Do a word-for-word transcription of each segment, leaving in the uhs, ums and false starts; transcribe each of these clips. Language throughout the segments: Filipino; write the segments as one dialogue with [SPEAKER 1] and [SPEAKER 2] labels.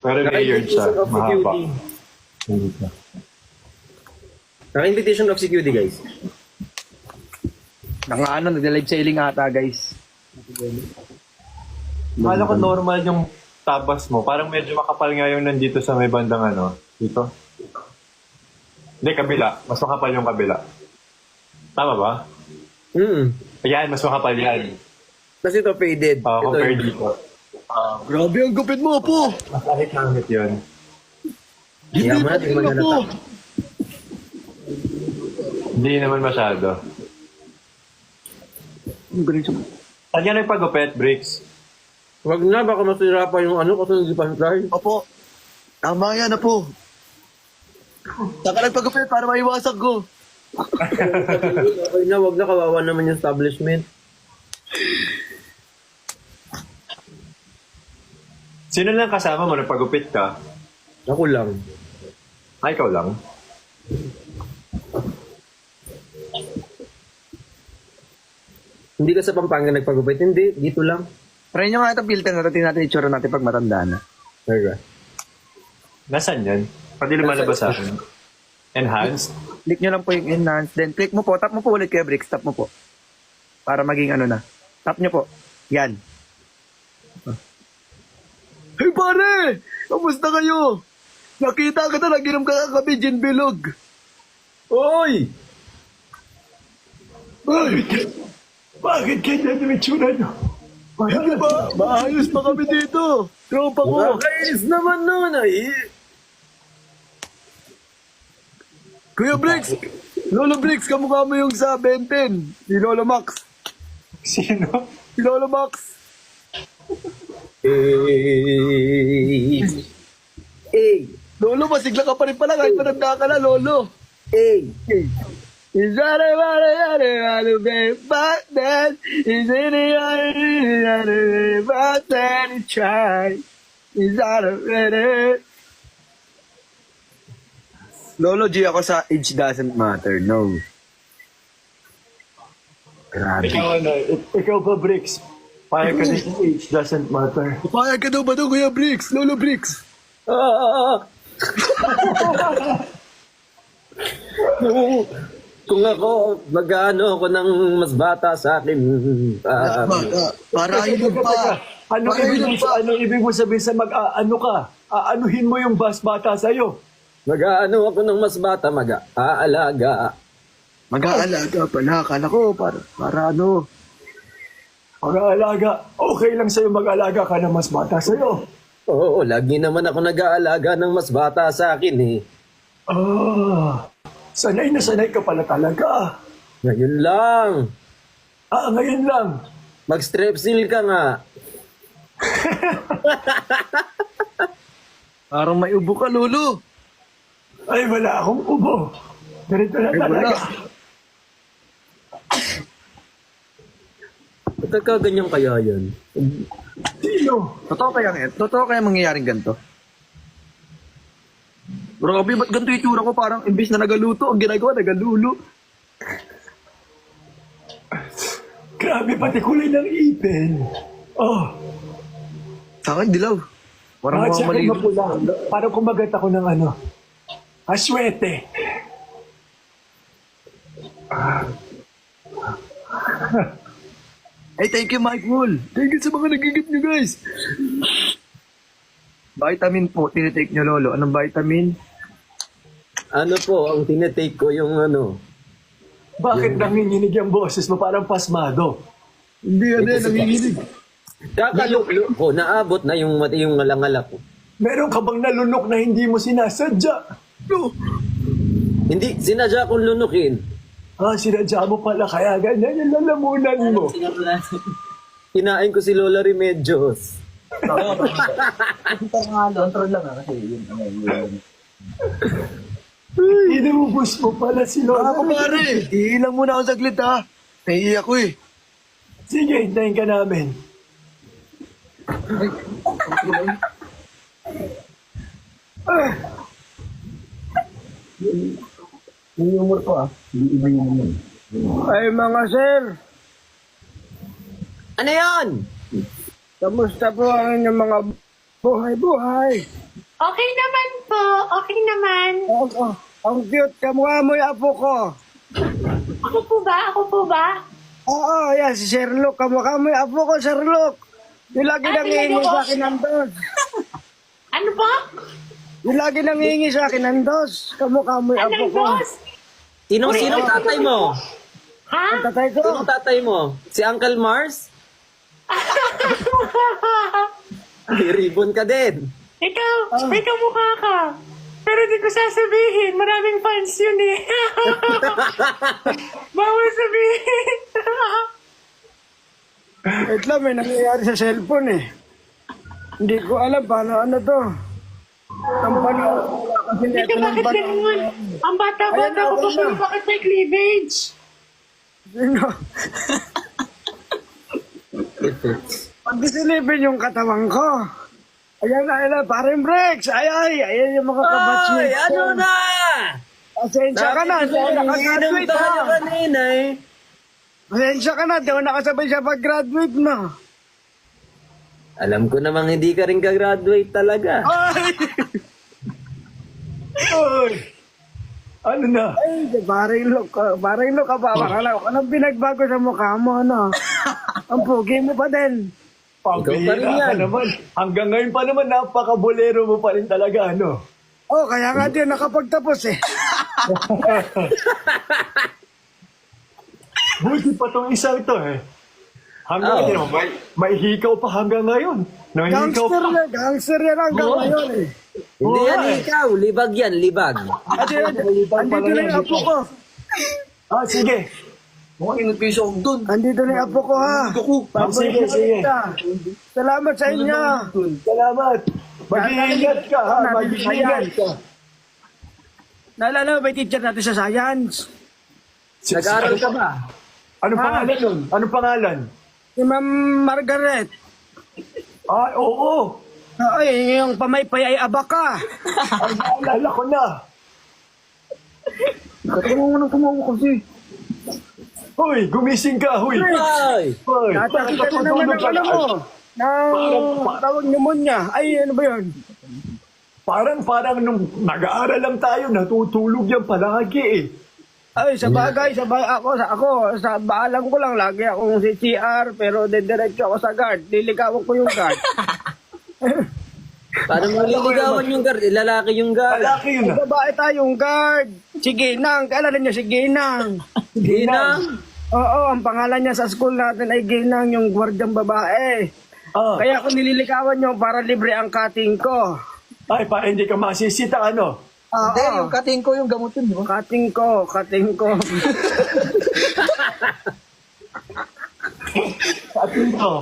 [SPEAKER 1] Pero layered siya,
[SPEAKER 2] Naka-invitation of C Q D.
[SPEAKER 1] mahaba.
[SPEAKER 2] Naka-invitation of C Q D, guys.
[SPEAKER 3] Nang ano, nag-live sailing ata, guys.
[SPEAKER 1] Akala ko normal yung tabas mo. Parang medyo makapal nga yung nandito sa may bandang ano. Dito. Hindi, kabila. Mas makapal yung kabila. Tama ba?
[SPEAKER 2] Mm.
[SPEAKER 1] Ayan, mas makapal yan.
[SPEAKER 2] Kasi ito faded.
[SPEAKER 1] Uh,
[SPEAKER 2] ito,
[SPEAKER 1] compare dito. Uh,
[SPEAKER 3] Grabe ang gupit mo, po.
[SPEAKER 1] mas ahit-hangit yun.
[SPEAKER 2] Hindi mo natin maghanata.
[SPEAKER 1] Hindi naman masyado.
[SPEAKER 3] Ang galing siya.
[SPEAKER 1] Saan yan yung pagupit, Bricks?
[SPEAKER 2] Wag na, baka masira pa yung ano kasi hindi pa try.
[SPEAKER 3] Opo. Tama yan na po. Saka nagpagupit para maiwasan ko.
[SPEAKER 2] Okay na, wag na, kawawa naman yung establishment.
[SPEAKER 1] Sino lang kasama mo nung pagupit ka?
[SPEAKER 2] Ako lang.
[SPEAKER 1] Ay, ikaw lang.
[SPEAKER 2] Hindi ka sa Pampanga nagpagupit? Hindi, dito lang.
[SPEAKER 3] Try nyo nga itong filter na tingnan natin itsura natin pag matanda na.
[SPEAKER 2] Okay.
[SPEAKER 1] Nasaan yan? Pwede lumalabas sa akin. Enhanced?
[SPEAKER 3] Click nyo lang po yung enhance. Then click mo po. Tap mo po ulit kaya Bricks. Tap mo po. Para maging ano na. Tap nyo po. Yan. Hey pare! Kamusta kayo? Nakita ka na naginom ka kami, Gin Bilog.
[SPEAKER 2] Oy!
[SPEAKER 3] Bakit?
[SPEAKER 1] Bakit kanya yung itsura nyo?
[SPEAKER 3] Hindi ba? Maayos pa kami dito. Tropa ko.
[SPEAKER 2] Nakakainis naman nun ay.
[SPEAKER 3] Kuya Bricks! Lolo Bricks, kamukha mo yung sa Benten. Si Lolo Max.
[SPEAKER 1] Sino?
[SPEAKER 3] Si Lolo Max.
[SPEAKER 2] Eh. Eh.
[SPEAKER 3] Lolo, masigla ka pa rin pala kahit matanda ka na, Lolo.
[SPEAKER 2] Eh.
[SPEAKER 3] Is that a what I had to be back then? Is it a but then you try? Is that a better? Lolo G ako sa age doesn't matter, no. Grabe.
[SPEAKER 1] Ikaw ano? Ik- ikaw ba, Bricks? Payag ka din sa age doesn't matter.
[SPEAKER 3] Payag ka daw ba daw, Kuya Bricks? Lolo Bricks?
[SPEAKER 2] Ah. kung, kung ako, mag-ano ako ng mas bata sa akin. ah,
[SPEAKER 3] Para ilog pa.
[SPEAKER 1] Ano
[SPEAKER 3] Para
[SPEAKER 1] ibig mo
[SPEAKER 3] ilog pa.
[SPEAKER 1] sa ano ibig mo sabihin sa mag-aano ka? Aanuhin mo yung bas bata sa iyo.
[SPEAKER 2] mag-ano ako ng mas bata, mag-aalaga.
[SPEAKER 3] Mag-aalaga pala. Akala ko, para, para ano.
[SPEAKER 1] Mag-aalaga. Okay lang sa'yo mag-alaga ka na mas bata sa'yo.
[SPEAKER 2] Oo, lagi naman ako nag-aalaga ng mas bata sa akin eh.
[SPEAKER 1] Ah, sanay na sanay ka pala talaga.
[SPEAKER 2] Ngayon lang.
[SPEAKER 1] Ah, ngayon lang.
[SPEAKER 2] Mag-strepsil ka nga.
[SPEAKER 3] Parang may ubo ka, Lolo.
[SPEAKER 1] Ay, wala akong ubo. Ganito na
[SPEAKER 3] Ay, wala.
[SPEAKER 1] talaga.
[SPEAKER 2] Pagkakaganyan kaya yan.
[SPEAKER 1] Sino?
[SPEAKER 3] Totoo kaya ngayon? Totoo kaya mangyayaring ganito? Grabe, ba't ganito yung tsura ko? Parang imbis na nagaluto, ang ginagawa, nagalulo.
[SPEAKER 1] Grabe, pati kulay ng ipin. Oh,
[SPEAKER 3] Sa akin, dilaw. Parang
[SPEAKER 1] bakit
[SPEAKER 3] mga
[SPEAKER 1] sa akin
[SPEAKER 3] mali.
[SPEAKER 1] mapula? Parang kumagat ako ng ano. Aswete.
[SPEAKER 3] Hey, thank you, Mike Wool. Thank you sa mga nagigip nyo, guys. Vitamin po, tinitake nyo, Lolo. Anong vitamin?
[SPEAKER 2] Ano po, ang tinetake ko yung ano.
[SPEAKER 1] Bakit nanginginig yung boses mo? Parang pasmado.
[SPEAKER 3] Hindi, ano yan, nanginginig.
[SPEAKER 2] Kakalulo ko, naabot na yung, yung ngalangala ko.
[SPEAKER 1] Meron ka bang nalunok na hindi mo sinasadya?
[SPEAKER 3] No.
[SPEAKER 2] Hindi, sinadya kong lunukin.
[SPEAKER 1] Ah, sinadya mo pala kaya ganyan yung lalamunan mo.
[SPEAKER 2] Kinain ko si Lola Remedios.
[SPEAKER 1] Inubos mo pala si Lola.
[SPEAKER 3] Ako, pare. Iilang muna ako saglit, ha. Naiiyak ko, eh.
[SPEAKER 1] Sige, hintayin ka namin. Ah,
[SPEAKER 3] Yung humor ko, ah. Iba yung humor. Ay, mga sir.
[SPEAKER 2] Ano yan?
[SPEAKER 3] Kamusta po ang inyong mga buhay-buhay?
[SPEAKER 4] Okay naman po. Okay naman.
[SPEAKER 3] Oh, oh, ang cute. Kamukha mo yung apo ko.
[SPEAKER 4] Ako po ba? Ako po ba?
[SPEAKER 3] Oo, yan, si Sherlock. Kamukha mo yung apo ko, Sherlock. Yung lagi
[SPEAKER 4] Ah,
[SPEAKER 3] nangihingi
[SPEAKER 4] talaga
[SPEAKER 3] sa
[SPEAKER 4] ba?
[SPEAKER 3] akin ng dos.
[SPEAKER 4] Ano po?
[SPEAKER 3] Yung lagi nangihingi sa akin ng dos. Kamukha mo yung apo
[SPEAKER 4] Anong
[SPEAKER 3] ko.
[SPEAKER 4] boss?
[SPEAKER 2] Sinong sinong tatay mo?
[SPEAKER 4] Ha?
[SPEAKER 3] Ang tatay ko.
[SPEAKER 2] Sinong tatay mo? Si Uncle Mars? May ribbon ka din.
[SPEAKER 4] Ikaw, may kamukha ka. Pero di ko sasabihin. Maraming fans yun eh. Bawal sabihin.
[SPEAKER 3] Wait lang, may nangyayari sa cellphone eh. Hindi ko alam paano ano to. Ang paano, kasi
[SPEAKER 4] Ikaw,
[SPEAKER 3] neto ng
[SPEAKER 4] bakit
[SPEAKER 3] paano.
[SPEAKER 4] ganun? Ang bata-bata
[SPEAKER 3] Ayan,
[SPEAKER 4] ko
[SPEAKER 3] okay
[SPEAKER 4] pa, pero
[SPEAKER 3] na.
[SPEAKER 4] bakit may cleavage?
[SPEAKER 3] Sino? Pag disilipin yung katawan ko. Ayan na, ayan na, parang breaks. Ay, ay, ayan yung mga
[SPEAKER 2] Ay,
[SPEAKER 3] kabatsmates.
[SPEAKER 2] ano na?
[SPEAKER 3] Pasensya ka na, hindi ako
[SPEAKER 2] Inom
[SPEAKER 3] nakagraduate
[SPEAKER 2] tayo
[SPEAKER 3] ha.
[SPEAKER 2] kanina eh.
[SPEAKER 3] Pasensya ka na, di ako nakasabay sa pag-graduate mo.
[SPEAKER 2] Alam ko namang hindi ka rin ka-graduate talaga.
[SPEAKER 3] Ay!
[SPEAKER 1] Oy! Ano na?
[SPEAKER 3] Ay, parang look ka, parang look ka pa. Bakala ko, anong pinagbago sa mukha mo, ano? Ang pugi mo pa din.
[SPEAKER 1] Pambihira
[SPEAKER 2] Ikaw pa rin yan.
[SPEAKER 1] ka naman. Hanggang ngayon pa naman, napaka-bolero mo pa rin talaga, ano?
[SPEAKER 3] Oh, kaya nga din nakapagtapos eh.
[SPEAKER 1] Buti pa tong isang ito eh. Hanggang
[SPEAKER 2] Oo.
[SPEAKER 1] ngayon, may, may hikaw pa hanggang ngayon. Nahihikaw
[SPEAKER 3] Gangster
[SPEAKER 1] pa.
[SPEAKER 3] yan, gangster yan hanggang
[SPEAKER 1] Oo.
[SPEAKER 3] ngayon eh.
[SPEAKER 2] Hindi
[SPEAKER 1] Oo,
[SPEAKER 2] yan
[SPEAKER 1] eh.
[SPEAKER 2] ikaw, libag yan, libag.
[SPEAKER 3] At yun, andito na yung apo ko.
[SPEAKER 1] Ah, sige.
[SPEAKER 3] Andito na yung apo ko ha.
[SPEAKER 1] Ah, sige, sige.
[SPEAKER 3] Salamat sa inyo.
[SPEAKER 1] Salamat. Mag-iingat ka, ha? Mag-iingat ka.
[SPEAKER 3] Naalala mo ba yung teacher natin sa science?
[SPEAKER 2] Nag-aaral ka ba?
[SPEAKER 1] Anong
[SPEAKER 3] Ah.
[SPEAKER 1] pangalan nun? Anong pangalan?
[SPEAKER 3] Si Ma'am Margaret.
[SPEAKER 1] Ah, oo.
[SPEAKER 3] Ay, yung pamaypay ay abaka.
[SPEAKER 1] Ay, naalala ko na.
[SPEAKER 3] Katungo nang tumawa kasi.
[SPEAKER 1] Hoy, gumising ka, hoy.
[SPEAKER 2] Ay!
[SPEAKER 1] Hoy,
[SPEAKER 3] Nakakita na naman ng ano mo. Ng tawag pneumonia. Ay, ano ba yun?
[SPEAKER 1] Parang, parang nung nag-aaral lang tayo, natutulog yan palagi eh.
[SPEAKER 3] Ay, sa bagay, sa bagay, ako, sa ako, sa baalam ko lang, lagi akong si C R, pero dediretso ako sa guard. Liligawan ko yung guard.
[SPEAKER 2] Paano mo liligawan yung guard? Eh, lalaki yung guard.
[SPEAKER 1] Palaki yun ah.
[SPEAKER 3] Babae tayong guard. Si Ginang, kailan niyo si Ginang?
[SPEAKER 2] Ginang!
[SPEAKER 3] Oo, ang pangalan niya sa school natin ay Ginang, yung gwardyang babae.
[SPEAKER 1] Ah,
[SPEAKER 3] Kaya kung nililigawan niyo para libre ang cutting ko.
[SPEAKER 1] ay, para hindi ka masisita, ano?
[SPEAKER 3] Oo,
[SPEAKER 5] Hindi, yung cutting ko, yung gamot yun, di ba?
[SPEAKER 3] cutting ko, cutting ko.
[SPEAKER 1] At ito.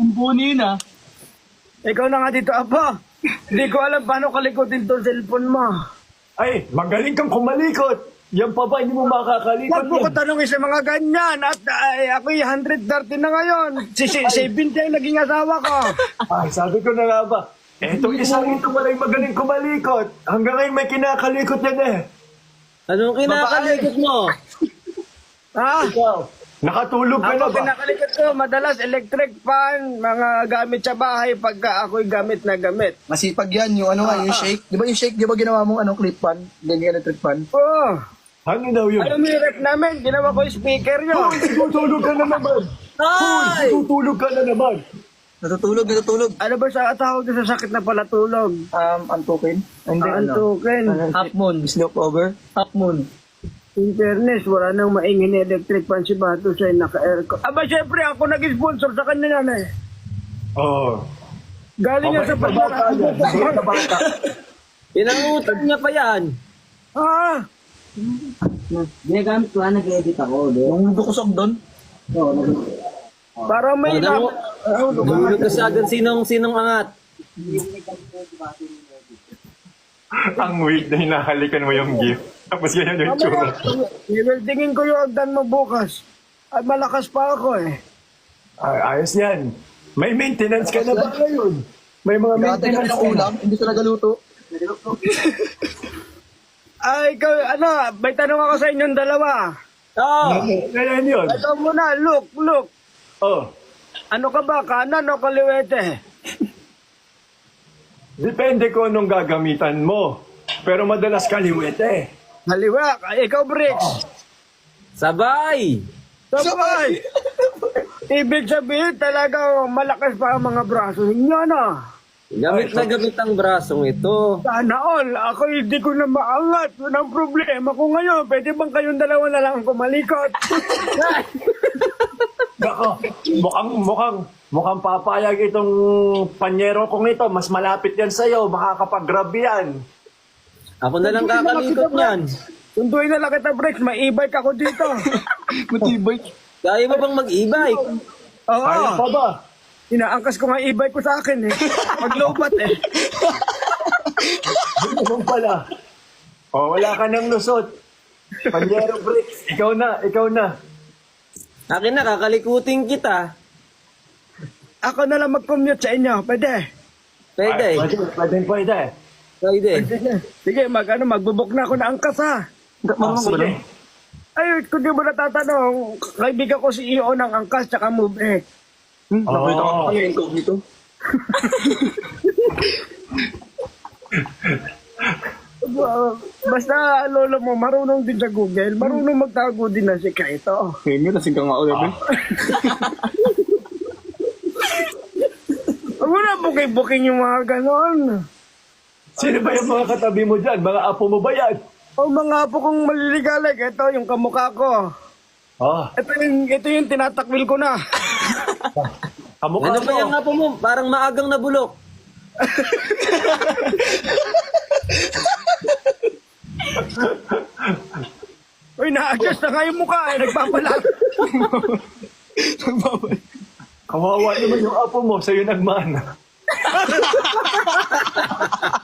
[SPEAKER 3] Ikaw na nga dito, Apo. Hindi ko alam paano kalikutin tong cellphone mo.
[SPEAKER 1] Ay, magaling kang kumalikot. Yan pa ba, hindi mo makakalikot
[SPEAKER 3] Huwag mo ko
[SPEAKER 1] yan.
[SPEAKER 3] tanongin sa mga ganyan. At ay, ako'y one hundred thirty na ngayon. Si, si, seventy ang naging asawa ko.
[SPEAKER 1] Ay, sabi ko na nga ba, etong isang ito walay magaling kumalikot. Hanggang ngayon may kinakalikot yan eh.
[SPEAKER 2] Anong kinakalikot mo?
[SPEAKER 3] Ha?
[SPEAKER 1] Ikaw, nakatulog ka na
[SPEAKER 3] Ako
[SPEAKER 1] ba?
[SPEAKER 3] pinakalikot ko, madalas electric fan, mga gamit sa bahay pagka ako'y gamit na gamit.
[SPEAKER 5] Masipag yan, yung ano nga, yung shake. Di ba yung shake, di ba ginawa mong ano, clip fan? Ganyan electric fan?
[SPEAKER 3] Oo.
[SPEAKER 1] Ano daw yun?
[SPEAKER 3] Alam mo yung rep namin, ginawa ko yung speaker nyo.
[SPEAKER 1] Hoy, tutulog ka na naman. Hoy,
[SPEAKER 2] Ay!
[SPEAKER 1] tutulog ka na naman.
[SPEAKER 5] Natutulog, natutulog.
[SPEAKER 3] Ano ba sa tawag doon sa sakit na palatulog?
[SPEAKER 5] Um, antukin? Hindi,
[SPEAKER 3] Ang token.
[SPEAKER 5] Half moon. Sleep over? Half moon.
[SPEAKER 3] In fairness, wala nang maingin na electric fan si Bato siya naka-aircon. Aba, syempre, ako nag-sponsor sa kanya yan eh.
[SPEAKER 1] Oo.
[SPEAKER 3] Galing yan sa
[SPEAKER 1] Mabait na bata yan. Mabait na bata.
[SPEAKER 2] Pinangutang niya pa yan.
[SPEAKER 3] Ah,
[SPEAKER 6] Ginagamit ko nga, nag-edit ako. Di?
[SPEAKER 5] Yung dukusok doon?
[SPEAKER 6] Oo, nag-
[SPEAKER 3] parang may
[SPEAKER 2] Alam mo,
[SPEAKER 3] lab.
[SPEAKER 2] Nahulog ka sa agad sinong, sinong angat.
[SPEAKER 1] Ang weird na hinahalikan mo yung gift. Tapos ganyan yung tsura.
[SPEAKER 3] I-weldingin ko yung agdan mo bukas. At malakas pa ako eh.
[SPEAKER 1] Ay, ayos yan. May maintenance ka na ba ngayon? May mga
[SPEAKER 5] Nagkatagal
[SPEAKER 1] maintenance
[SPEAKER 5] ng
[SPEAKER 1] ka na.
[SPEAKER 5] ulam, hindi talaga luto.
[SPEAKER 3] Ay, ikaw, ano, may tanong ako sa inyong dalawa.
[SPEAKER 2] Oh!
[SPEAKER 1] Ganyan yun.
[SPEAKER 3] Ito muna, look, look.
[SPEAKER 1] Oh.
[SPEAKER 3] Ano ka ba, kanan o kaliwete?
[SPEAKER 1] Depende ko anong gagamitan mo. Pero madalas kaliwete.
[SPEAKER 3] Haliwa, ay, ikaw, Bricks.
[SPEAKER 2] Sabay!
[SPEAKER 3] Sabay! Ibig sabihin talaga malakas pa ang mga braso ninyo, no?
[SPEAKER 2] Gamit na gamit ang brasong ito.
[SPEAKER 3] Sana all, ako hindi ko na maangat. Yun ang problema ko ngayon. Pwede bang kayong dalawa na lang ang kumalikot?
[SPEAKER 1] Nako, mukhang, mukhang, mukhang papayag itong panyero kong ito. Mas malapit yan sa'yo. Makakapag-grab yan.
[SPEAKER 2] Ako na lang kakalikot niyan.
[SPEAKER 3] Sunduin na lang kita, Bricks. May e-bike ako dito.
[SPEAKER 5] Matibay.
[SPEAKER 2] Kaya mo bang mag-e-bike?
[SPEAKER 3] Oo.
[SPEAKER 1] Kaya pa ba?
[SPEAKER 3] Inaangkas ko nga e-bike ko sa akin eh. Maglobat eh.
[SPEAKER 1] Ano naman pala? O, wala ka nang lusot. Panyero Bricks, ikaw na, ikaw na.
[SPEAKER 2] Akin na, kakalikutin kita.
[SPEAKER 3] Ako na lang mag-commute sa inyo. Pwede.
[SPEAKER 2] Pwede.
[SPEAKER 1] Ay, Pwede, pwede, pwede.
[SPEAKER 2] Pwede.
[SPEAKER 3] Sige, sige mag, ano, magbubok na ako na angkas ha.
[SPEAKER 1] Ah, sige.
[SPEAKER 3] Ay, kung di mo natatanong, kaibigan ko si E O ng angkas tsaka move eh.
[SPEAKER 5] Hmm, nakita ko
[SPEAKER 1] Oo.
[SPEAKER 5] pa yung incognito.
[SPEAKER 3] Uh, basta lolo mo, marunong din sa Google, marunong magtago din na si Kaito.
[SPEAKER 5] Eh, may lasing ka nga ulit. eh.
[SPEAKER 3] Huwag mo na buking-buking yung mga ganon.
[SPEAKER 1] Sino ba yung mga katabi mo dyan? Mga apo mo ba yan?
[SPEAKER 3] O mga po kong maliligalig, ito yung kamukha ko.
[SPEAKER 1] Ah,
[SPEAKER 3] Ito yung, ito yung tinatakwil ko na.
[SPEAKER 1] kamukha
[SPEAKER 2] Ano ba
[SPEAKER 1] mo.
[SPEAKER 2] yung nga po mo? Parang maagang nabulok.
[SPEAKER 3] Uy, na-adjust na nga yung mukha eh, nagpapalag.
[SPEAKER 1] Kawawa naman yung apo mo, sa'yo nagmana.